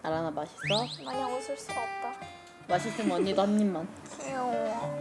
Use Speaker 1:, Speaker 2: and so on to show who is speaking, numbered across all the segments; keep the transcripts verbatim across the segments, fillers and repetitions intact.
Speaker 1: 아란아 맛있어?
Speaker 2: 마냥 웃을 수가 없다.
Speaker 1: 맛있으면 언니도 한 입만.
Speaker 2: 귀여워.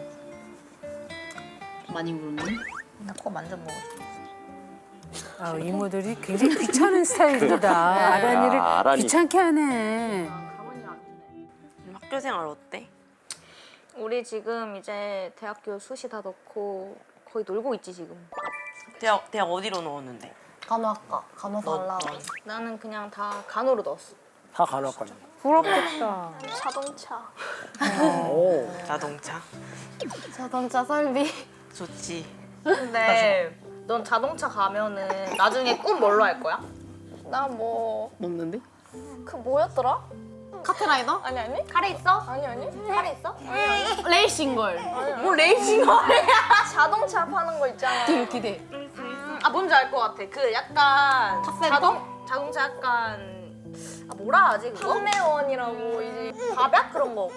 Speaker 1: 많이 울니?
Speaker 2: 나 코 만져먹어.
Speaker 3: 아, 이모들이 굉장히 귀찮은 스타일이다. 아란이를
Speaker 4: 야, 아란이.
Speaker 3: 귀찮게 하네.
Speaker 5: 학교 생활 어때?
Speaker 2: 우리 지금 이제 대학교 수시 다 넣고 거의 놀고 있지 지금.
Speaker 5: 대학 대학 어디로 넣었는데?
Speaker 1: 간호학과. 간호
Speaker 5: 너,
Speaker 1: 달라.
Speaker 2: 나는 그냥 다 간호로 넣었어.
Speaker 6: 다 간호학과네.
Speaker 3: 부럽겠다.
Speaker 2: 자동차.
Speaker 6: 오.
Speaker 5: 자동차
Speaker 1: 자동차 설비.
Speaker 5: 좋지.
Speaker 2: 근데 넌 자동차 가면은 나중에 꿈 뭘로 할 거야? 나 뭐 그
Speaker 1: 먹는데?
Speaker 2: 뭐였더라?
Speaker 1: 카트라이더?
Speaker 2: 아니 아니.
Speaker 1: 카레 있어?
Speaker 2: 아니 아니.
Speaker 1: 카레 있어? 레이싱걸.
Speaker 2: 뭐 레이싱거리야? 자동차 파는 거 있잖아.
Speaker 1: 뒤로 기대.
Speaker 2: 아 뭔지 알 것 같아. 그 약간
Speaker 1: 탑센터?
Speaker 2: 자동 자동차 약간 아 뭐라 하지 그거? 판매원이라고 이제 밥약 그런 거.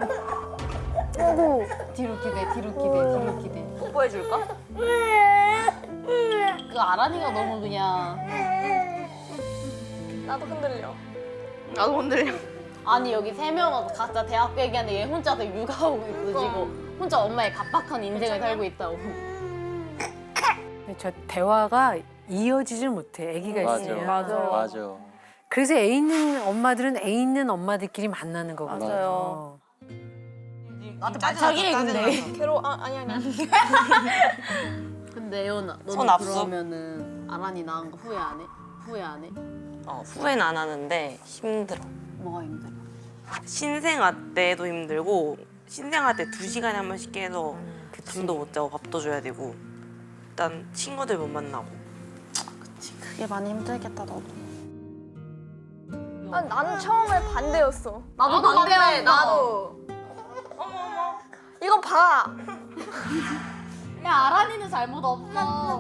Speaker 1: 뒤로 기대. 뒤로 기대. 뒤로 기대.
Speaker 2: 뽀뽀해 줄까?
Speaker 1: 그 아란이가 너무 그냥.
Speaker 2: 나도 흔들려. 나도 흔들려.
Speaker 1: 아니 여기 세 명은 각자 대학 얘기하는데 얘 혼자서 육아하고 있어 지금. 혼자 엄마의 각박한 인생을 살고 있다고.
Speaker 3: 근데 저 대화가 이어지질 못해. 아기가
Speaker 4: 맞아.
Speaker 3: 있으면.
Speaker 4: 맞아.
Speaker 3: 그래서 애 있는 엄마들은 애 있는 엄마들끼리 만나는 거거든요.
Speaker 1: 맞아요.
Speaker 5: 나한테
Speaker 1: 자기 근데.
Speaker 2: 괴로워. 아 아니 아니.
Speaker 1: 근데 예원아
Speaker 5: 손
Speaker 1: 너는
Speaker 5: 압수?
Speaker 1: 그러면은 아란이 낳은 거 후회 안 해? 후회 안 해?
Speaker 5: 어, 후회는 안 하는데 힘들어.
Speaker 1: 뭐가 힘들어?
Speaker 5: 신생아 때도 힘들고 신생아 때 두 시간에 한 번씩 깨서 잠도 못 자고 밥도 줘야 되고 일단 친구들 못 만나고.
Speaker 1: 그게 많이 힘들겠다 너도.
Speaker 2: 아, 나는 처음에 반대였어.
Speaker 1: 나도 반대야
Speaker 2: 나도. 어머 어머. 이거 봐.
Speaker 1: 야 아란이는 잘못 없어.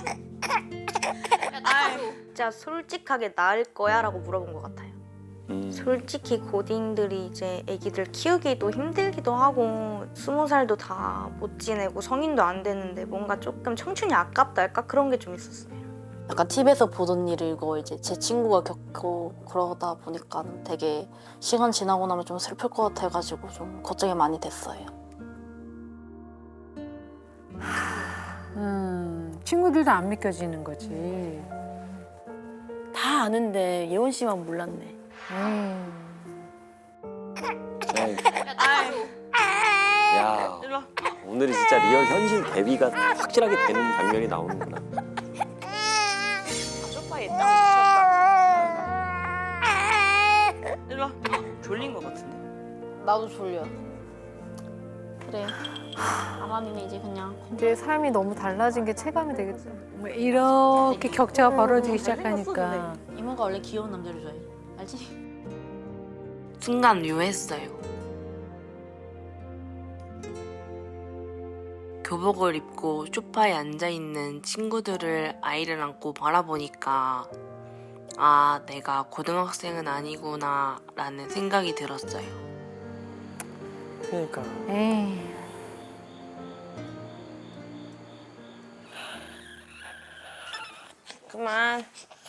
Speaker 2: 진짜 솔직하게 나을 거야라고 물어본 것 같아요.
Speaker 4: 음.
Speaker 2: 솔직히 고딩들이 이제 아기들 키우기도 힘들기도 하고 스무 살도 다 못 지내고 성인도 안 되는데 뭔가 조금 청춘이 아깝다 할까 그런 게 좀 있었어요.
Speaker 7: 약간 티비에서 보던 일을 이거 이제 제 친구가 겪고 그러다 보니까 되게 시간 지나고 나면 좀 슬플 것 같아가지고 좀 걱정이 많이 됐어요.
Speaker 3: 음, 친구들도 안 믿겨지는 거지.
Speaker 7: 다 아는데 예원 씨만 몰랐네.
Speaker 3: 음.
Speaker 4: 에이, 야,
Speaker 5: 일로 와.
Speaker 4: 오늘이 진짜 리얼 현실 대비가 확실하게 되는 장면이 나오는구나.
Speaker 5: 소파에 딱 붙였다. 일로 와. 졸린 것 같은데.
Speaker 1: 나도 졸려. 그래. 아란이는 이제 그냥
Speaker 8: 이제 삶이 너무 달라진 게 체감이 되겠죠.
Speaker 3: 뭐 이렇게 격차가 벌어지기 시작하니까.
Speaker 1: 이모가 원래 귀여운 남자를 좋아해. 알지?
Speaker 5: 순간 묘했어요. 교복을 입고 소파에 앉아있는 친구들을 아이를 안고 바라보니까 아, 내가 고등학생은 아니구나 라는 생각이 들었어요.
Speaker 6: 그러니까.
Speaker 3: 에이.
Speaker 5: 그만.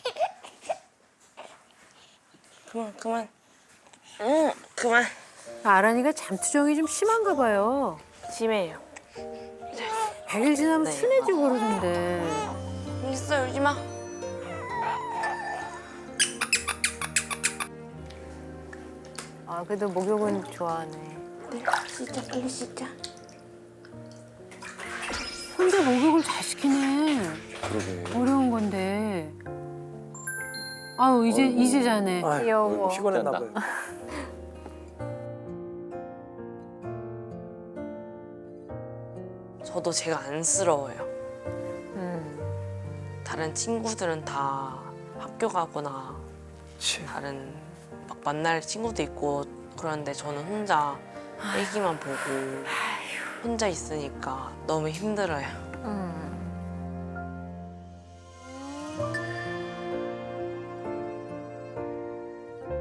Speaker 5: 그만, 그만. 응, 그만.
Speaker 3: 아란이가 잠투정이 좀 심한가 봐요.
Speaker 5: 심해요.
Speaker 3: 백 일 지나면
Speaker 5: 네.
Speaker 3: 순해지고 그러던데.
Speaker 5: 있어, 울지 마.
Speaker 8: 아 그래도 목욕은 좋아하네.
Speaker 5: 진짜, 이거 진짜.
Speaker 3: 혼자 목욕을 잘 시키네.
Speaker 4: 그러게.
Speaker 3: 어려운 건데. 아유 이제
Speaker 4: 어이구.
Speaker 3: 이제 자네.
Speaker 6: 아유,
Speaker 8: 귀여워.
Speaker 6: 피곤했나
Speaker 4: 웃긴다.
Speaker 6: 봐요.
Speaker 5: 저도 제가 안쓰러워요.
Speaker 8: 음.
Speaker 5: 다른 친구들은 다 학교 가거나
Speaker 6: 그치.
Speaker 5: 다른 막 만날 친구도 있고 그런데 저는 혼자 애기만 보고 혼자 있으니까 너무 힘들어요.